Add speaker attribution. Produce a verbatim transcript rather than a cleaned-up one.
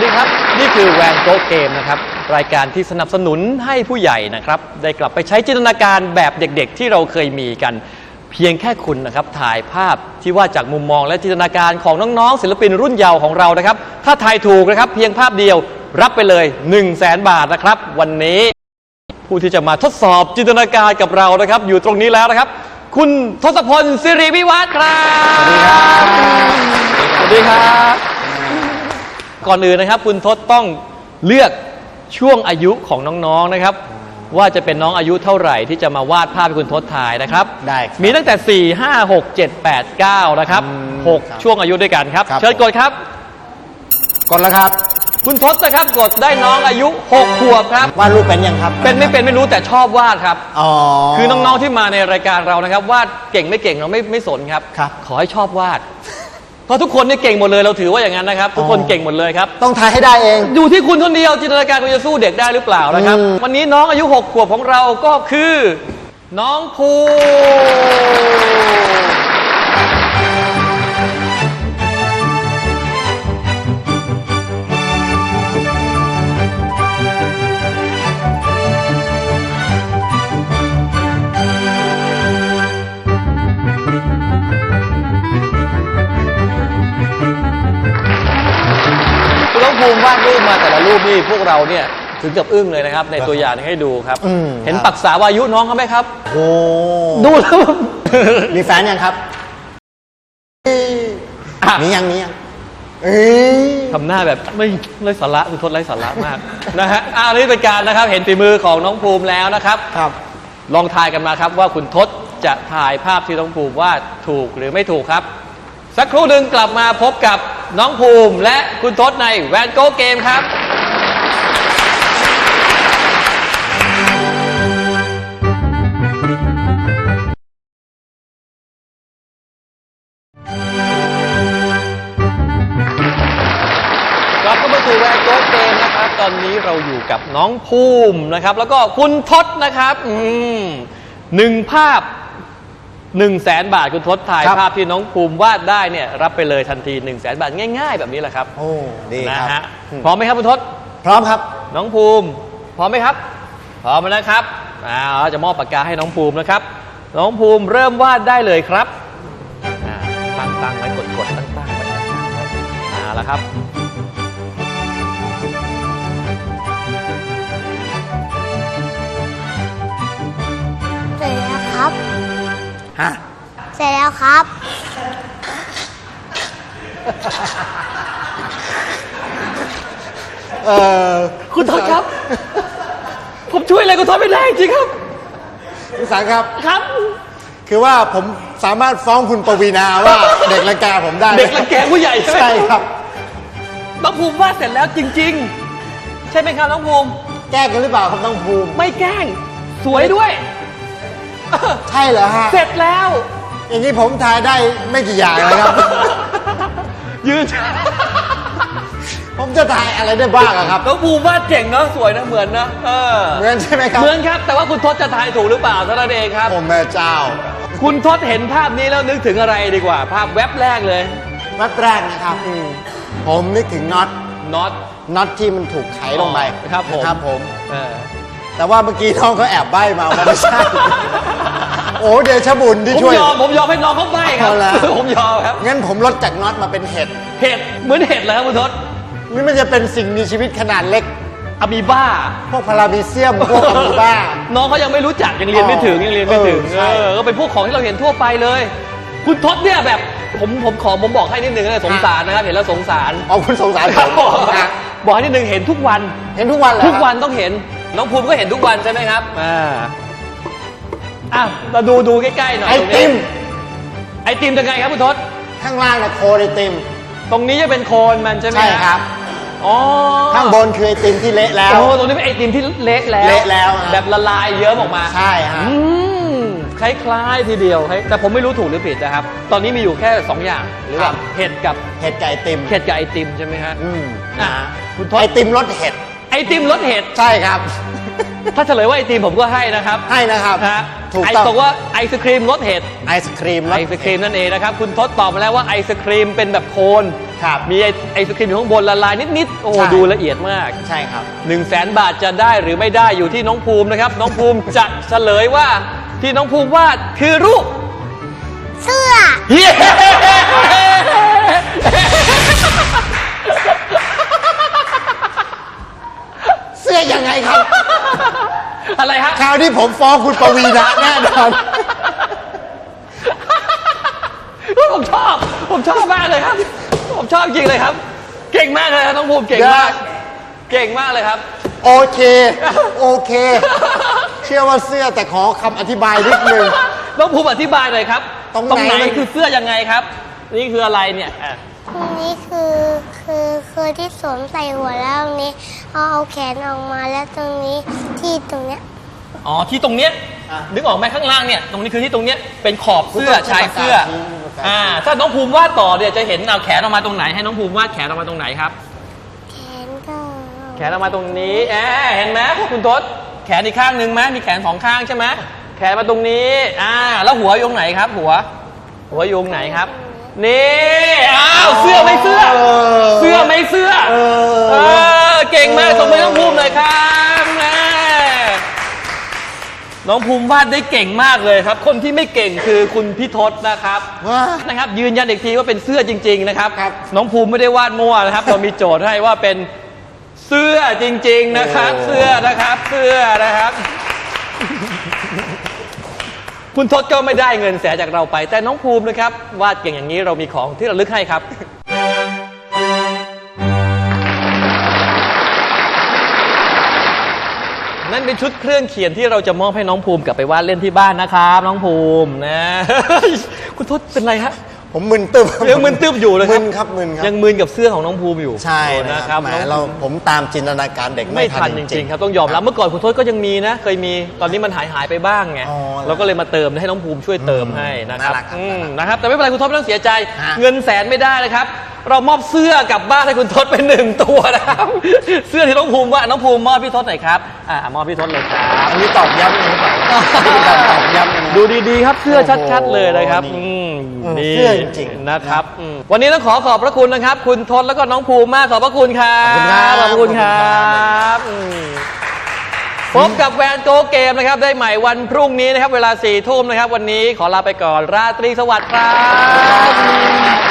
Speaker 1: ดีครับนี่คือแวนโกเกมนะครับรายการที่สนับสนุนให้ผู้ใหญ่นะครับได้กลับไปใช้จินตนาการแบบเด็กๆที่เราเคยมีกันเพียงแค่คุณนะครับถ่ายภาพที่วาดจากมุมมองและจินตนาการของน้องๆศิลปินรุ่นเยาว์ของเรานะครับถ้าทายถูกนะครับเพียงภาพเดียวรับไปเลย หนึ่งแสน บาทนะครับวันนี้ผู้ที่จะมาทดสอบจินตนาการกับเรานะครับอยู่ตรงนี้แล้วนะครับคุณทศพลสิริวิวัฒน์ครับสวัสดีครับก่อนอื่นนะครับคุณทศต้องเลือกช่วงอายุของน้องๆนะครับว่าจะเป็นน้องอายุเท่าไหร่ที่จะมาวาดภาพให้คุณทศถ่ายนะครับ
Speaker 2: ได้
Speaker 1: มีตั้งแต่สี่ ห้า หก เจ็ด แปด เก้านะครับหกช่วงอายุด้วยกันครับเชิญกดครับ
Speaker 2: กดแล้วครับ
Speaker 1: คุณทศนะครับกดได้น้องอายุหกขวบครับ
Speaker 2: วาดรูปเป็นยังครับ
Speaker 1: เป็นไม่เป็นไม่รู้แต่ชอบวาดครับ
Speaker 2: อ๋อ
Speaker 1: คือน้องๆที่มาในรายการเรานะครับวาดเก่งไม่เก่งเราไม่ไม่สนครับ
Speaker 2: ครับ
Speaker 1: ขอให้ชอบวาดเพราะทุกคนนี่เก่งหมดเลยเราถือว่าอย่างนั้นนะครับทุกคนเก่งหมดเลยครับ
Speaker 2: ต้องทายให้ได้เอง
Speaker 1: อยู่ที่คุณคนเดียวจินตนาการคุณจะสู้เด็กได้หรือเปล่านะครับวันนี้น้องอายุหกขวบของเราก็คือน้องภูภูมิวาดรูปมาแต่ละรูปนี่พวกเราเนี่ยถึงกับอึ้งเลยนะครับในตัวอย่างให้ดูครับเห็นปักษาวายุน้องเขาไหมครับ
Speaker 2: โอ้
Speaker 1: ดูแล้ว
Speaker 2: มีแฟนยังครับมียังมียัง
Speaker 1: ทำหน้าแบบไม่ไร้สาระคุณทศไร้สาระมากนะฮะอันนี้เป็นการนะครับเห็นฝีมือของน้องภูมิแล้วนะครับ
Speaker 2: ครับ
Speaker 1: ลองทายกันมาครับว่าคุณทศจะถ่ายภาพที่น้องภูมิวาดถูกหรือไม่ถูกครับสักครู่หนึ่งกลับมาพบกับน้องภูมิและคุณทศในแวนโกเกมครับกลับมาสู่แวนโกเกมนะครับตอนนี้เราอยู่กับน้องภูมินะครับแล้วก็คุณทศนะครับอืมหนึ่งภาพหนึ่งแสนบาทคุณทศถ่ายภาพที่น้องภูมิวาดได้เนี่ยรับไปเลยทันทีหนึ่งแสนบาทง่ายๆแบบนี้แหละครับ
Speaker 2: โอ้ดี
Speaker 1: นะฮะพร้อมไหมครับคุณทศ
Speaker 2: พร้อมครับ
Speaker 1: น้องภูมิพร้อมไหมครับพร้อมแล้วนะครับอ่าเราจะมอบปากกาให้น้องภูมินะครับน้องภูมิเริ่มวาดได้เลยครับอ่าตั้งตั้งไว้กดกดตั้งตั้งไว้อ่าแล้วครับ
Speaker 3: เสร็จแล้วครับ
Speaker 2: ฮะ
Speaker 3: เสร็จแล้วครับ
Speaker 1: เอ่อคุณทศครับผมช่วยอะไรคุณทศไม่ได้จริงครับ
Speaker 2: คุณสังครับ
Speaker 1: ครับ
Speaker 2: คือว่าผมสามารถฟ้องคุณปวีณาว่าเด็กรังแกผมได้
Speaker 1: เด็กรังแกผู้ใหญ่
Speaker 2: ใช่ครับ
Speaker 1: น้องภูมิวาดเสร็จแล้วจริงๆใช่ไหมครับน้องภูมิ
Speaker 2: แกล้งกันหรือเปล่าครับน้องภูมิ
Speaker 1: ไม่แกล้งสวยด้วย
Speaker 2: ใช่เหรอฮะ
Speaker 1: เสร็จแล้ว
Speaker 2: อย่างนี้ผมทายได้ไม่กี่อย่างเลยครับ
Speaker 1: ยืน
Speaker 2: ผมจะทายอะไรได้บ้างครับ
Speaker 1: น้องภูมิวาดเก่งเนาะสวยนะเหมือนนะเออ
Speaker 2: เหมือนใช่ไหมครับ
Speaker 1: เหมือนครับแต่ว่าคุณทศจะทายถูกหรือเปล่าเท่านั้นเองครับ
Speaker 2: โอ้แม่เจ้า
Speaker 1: คุณทศเห็นภาพนี้แล้วนึกถึงอะไรดีกว่าภาพแว็บแรกเลย
Speaker 2: แว็บแรกนะครับผมนึกถึงน็อต
Speaker 1: น็อต
Speaker 2: น็อตที่มันถูกไขลงไป
Speaker 1: ครับผม
Speaker 2: ครับผมแต่ว่าเมื่อกี้น้องเขาแอบใบ้มาว่าไม่ใช่โอ้เดชบุญที่ช่วย
Speaker 1: ผมยอมผมยอมให้น้องเขาใบ้ครับผมยอมครับ
Speaker 2: งั้นผมลดจากน็อตมาเป็นเห็ด
Speaker 1: เห็ดเหมือนเห็ดเลยครับคุณทศ
Speaker 2: นี่มันจะเป็นสิ่งมีชีวิตขนาดเล็ก
Speaker 1: อะมีบ้า
Speaker 2: พวกพารามีเซียมพวกอะมีบ้า
Speaker 1: น้องเขายังไม่รู้จักยังเรียนไม่ถึงยังเรียนไม่ถึงเออก็เป็นพวกของที่เราเห็นทั่วไปเลยคุณทศเนี่ยแบบผมผมขอผมบอกให้นิดนึงนะสงสารนะครับเห็นแล้วสงสาร
Speaker 2: อ๋อคุณสงสารผม
Speaker 1: บอกให้นิดนึงเห็นทุกวัน
Speaker 2: เห็นทุกวันเลย
Speaker 1: ทุกวันต้องเห็นน้องภูมิก็เห็นทุกวันใช่ไหมครับอ่าอ่ะเราดูดูใกล้ๆหน่อย
Speaker 2: ไอติม
Speaker 1: ไอติมจะไงครับคุณทศ
Speaker 2: ข้างล่างนะโคนไอติม
Speaker 1: ตรงนี้จะเป็นโคนมันใช่ไหม
Speaker 2: ใช่ครับ
Speaker 1: อ๋อ
Speaker 2: ข้างบนคือไอติมที่เละแล้ว
Speaker 1: โอ้ตรงนี้เป็นไอติมที่เละแล้ว
Speaker 2: เละแล้ว
Speaker 1: แบบละลายเยิ้มออกมา
Speaker 2: ใช่ฮะ
Speaker 1: คล้ายๆทีเดียวแต่ผมไม่รู้ถูกหรือผิดนะครับตอนนี้มีอยู่แค่สองอย่างหรือว่าเห็ดกับ
Speaker 2: เห็ดกับไอติม
Speaker 1: เห็ดกับไอติมใช่ไหมฮะ
Speaker 2: อืม
Speaker 1: อ่ะ
Speaker 2: คุณทศไอติมรสเห็ด
Speaker 1: ไอติมรสเห็ด
Speaker 2: ใช่ครับ
Speaker 1: ถ้าเฉลยว่าไอติมผมก็ให้นะครับ
Speaker 2: ให้นะครับ
Speaker 1: ถูกต้องไอบอกว่าไอศครีมรสเห็ด
Speaker 2: ไอศครีม
Speaker 1: ไอศครีมนั่นเองนะครับคุณทศตอบมาแล้วว่าไอศครีมเป็นแบบโคน
Speaker 2: ครับ
Speaker 1: มีไอไอศครีมอยู่ข้างบนละลายนิดๆโอ้โห
Speaker 2: ใช่
Speaker 1: ดูละเอียดมาก
Speaker 2: ใช่ครับ
Speaker 1: หนึ่งแสนบาทจะได้หรือไม่ได้อยู่ที่น้องภูมินะครับ น้องภูมิจะเฉลยว่าที่น้องภูมิวาดคือรูป
Speaker 3: เสื้อ
Speaker 1: เย้
Speaker 2: เสื้อยังไงครับ
Speaker 1: อะไรฮะ
Speaker 2: คราวนี้ผมฟ้องคุณปวีณะแน่นอน
Speaker 1: ผมชอบ ผมชอบมากเลยครับ ผมชอบจริงเลยครับ เก่งมากเลยครับน้องภูมิเก่งมาก เก่งมากเลยครับ
Speaker 2: โอเค โอเค เชื่อว่าเสื้อแต่ขอคำอธิบายนิดนึง
Speaker 1: น้องภูมิอธิบายหน่อยครับ
Speaker 2: ตรงไหน
Speaker 1: มันคือเสื้อยังไงครับ นี่คืออะไรเนี่ยอ่ะ
Speaker 3: ตรงนี้คือคือคือที่สวมใส่หัวแล้วตรงนี้เอาเอาแขนออกมาแล้วตรงนี้ที่ตรงเนี้ย
Speaker 1: อ๋อที่ตรงเนี้ย
Speaker 2: อ่ะ
Speaker 1: นึกออกไหมข้างล่างเนี่ยตรงนี้คือที่ตรงเนี้ยเป็นขอบเสื้อ
Speaker 2: คุณต้อง
Speaker 1: ชายเสื้อ
Speaker 2: ประกาศนี้ประกาศ
Speaker 1: อ่าถ้าน้องภูมิวาดต่อเนี่ยจะเห็นเอาแขนออกมาตรงไหนให้น้องภูมิวาดแขนออกมาตรงไหนครับ
Speaker 3: แขนก็
Speaker 1: แขนออกมาตรงนี้แอบเห็นไหมคุณทศแขนอีกข้างหนึ่งไหมมีแขนสองข้างใช่ไหมแขนมาตรงนี้อ่าแล้วหัวอยู่ตรงไหนครับ หัว หัวอยู่ตรงไหนครับนี่อ้าวเสื้อไม่เสื้อ เสื้อไม่เสื้อ
Speaker 2: เออ
Speaker 1: เออเก่งมากสมมติน้องภูมิเลยครับแม่น้องภูมิวาดได้เก่งมากเลยครับ คนที่ไม่เก่งคือคุณพี่ทศนะครับ
Speaker 2: ว้า
Speaker 1: นะครับ ยืนยันอีกทีว่าเป็นเสื้อจริง ๆ นะครับ
Speaker 2: ครับ
Speaker 1: น้องภูมิไม่ได้วาดมั่วนะครับ เรามีโจทย์ให้ว่าเป็นเสื้อจริง ๆนะครับ
Speaker 2: โอ้
Speaker 1: เสื้อนะครับ เสื้อนะครับ คุณทศก็ไม่ได้เงินแสนจากเราไป แต่น้องภูมินะครับวาดเก่งอย่างนี้เรามีของที่ระลึกให้ครับ นั่นเป็นชุดเครื่องเขียนที่เราจะมอบให้น้องภูมิกลับไปวาดเล่นที่บ้านนะครับ น้องภูมินะ คุณทศเป็นไรฮะ
Speaker 2: ผมมึนตึ๊บ
Speaker 1: ยังมึนตึ๊บอยู่เลยค
Speaker 2: มึ
Speaker 1: รับ
Speaker 2: นครับมึนครับ
Speaker 1: ยังมึนกับเสื้อของน้องภูมิอยู่
Speaker 2: ใช่
Speaker 1: นะ
Speaker 2: นะ
Speaker 1: ค
Speaker 2: ค
Speaker 1: รั
Speaker 2: รั
Speaker 1: บบ
Speaker 2: แหม
Speaker 1: น้อง
Speaker 2: เราผมตามจินตนาการเด็ก
Speaker 1: ไม่
Speaker 2: ไม่
Speaker 1: ทั
Speaker 2: ทั
Speaker 1: น
Speaker 2: น
Speaker 1: จ
Speaker 2: จ
Speaker 1: ริ
Speaker 2: ริ
Speaker 1: ง
Speaker 2: ง
Speaker 1: ๆครับต้องยอมรับเมื่อก่อนคุณทศก็ยังมีนะ เคยมีตอนนี้มันหายหายไปบ้างไง
Speaker 2: อ๋อ
Speaker 1: เราก็เลยมาเติมให้น้องภูมิช่วยเติมให้นะครับ
Speaker 2: น่ารักครับ
Speaker 1: อืมนะครับแต่ไม่เป็นไรคุณทศไม่ต้องเสียใจ
Speaker 2: ฮะ
Speaker 1: เงินแสนไม่ได้นะครับ เรามอบเสื้อกลับบ้านให้คุณทศเป็นหนึ่งตัวนะครับ เสื้อที่น้องภูมิว่าน้องภูมิมอบพี่ทศหน่อยครับอ่ามอบพี่ทศเลยครับ
Speaker 2: อันนี้ตอบย้ำเลยหรือเปล่าอันนี้เป็นการตอบย้ำเลยนะ
Speaker 1: ดูดีๆครับเสื้อชัดๆเลยนะครับ
Speaker 2: โอ้โห
Speaker 1: อืม
Speaker 2: อืม
Speaker 1: นี่
Speaker 2: เสื้อจริงๆ
Speaker 1: นะครับอืมวันนี้ต้องขอขอบพระคุณนะครับ คุณทศแล้วก็น้องภูมิมากขอบพระคุณครับ
Speaker 2: ขอบคุณครับ
Speaker 1: ขอบคุณครับอืมพบกับแวนโกเกมนะครับได้ใหม่วันพรุ่งนี้นะครับ เวลาสี่ทุ่มนะครับ วันนี้ขอลาไปก่อนราตรีสวัสดิ์ครับ